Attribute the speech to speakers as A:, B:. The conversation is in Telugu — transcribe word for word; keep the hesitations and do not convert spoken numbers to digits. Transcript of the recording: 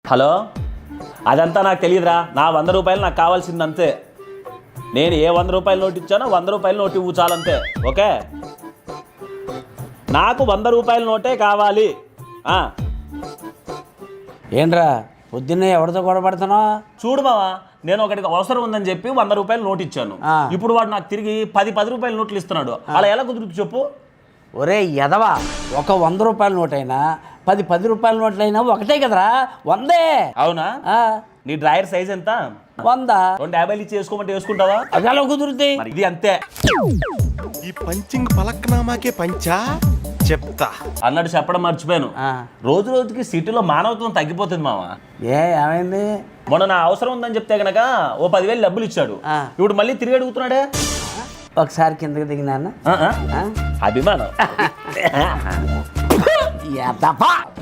A: హలో, అదంతా నాకు తెలియదురా. నా వంద రూపాయలు నాకు కావాల్సింది అంతే. నేను ఏ వంద రూపాయల నోటు ఇచ్చానో వంద రూపాయల నోటు ఇవ్వు చాలంతే. ఓకే, నాకు వంద రూపాయల నోటే కావాలి.
B: ఏంట్రా పొద్దున్నే ఎవరితో గొడవపడుతున్నావు?
A: చూడు మావా, నేను ఒకటికి అవసరం ఉందని చెప్పి వంద రూపాయలు నోటు ఇచ్చాను. ఇప్పుడు వాడు నాకు తిరిగి పది పది రూపాయల నోట్లు ఇస్తున్నాడు. అలా ఎలా కుదురుతుంది చెప్పు?
B: ఒరే ఎదవా, ఒక వంద రూపాయల నోటైనా పది పది రూపాయల నోట్లైనా ఒకటే కదరా, వందే.
A: అవునా? నీ డ్రాయర్ సైజ్ ఎంత?
B: వంద.
A: రెండు యాభైలు ఇచ్చి వేసుకోమంటే వేసుకుంటావా?
B: అది ఎలా కుదురుతాయి?
A: మరి ఇది అంతే.
C: ఈ పంచింగ్ పలక్నామాకే పంచా చెప్తా
A: అన్నట్టు చెప్పడం మర్చిపోయాను. రోజు రోజుకి సిటీలో మానవత్వం తగ్గిపోతుంది మామ.
B: ఏ ఏమైంది?
A: మొన్న నా అవసరం ఉందని చెప్తే గనక ఓ పదివేలు డబ్బులు ఇచ్చాడు. ఇప్పుడు మళ్ళీ తిరిగి అడుగుతున్నాడే.
B: ఒకసారి కిందకి దిగినా
A: అభిమానం.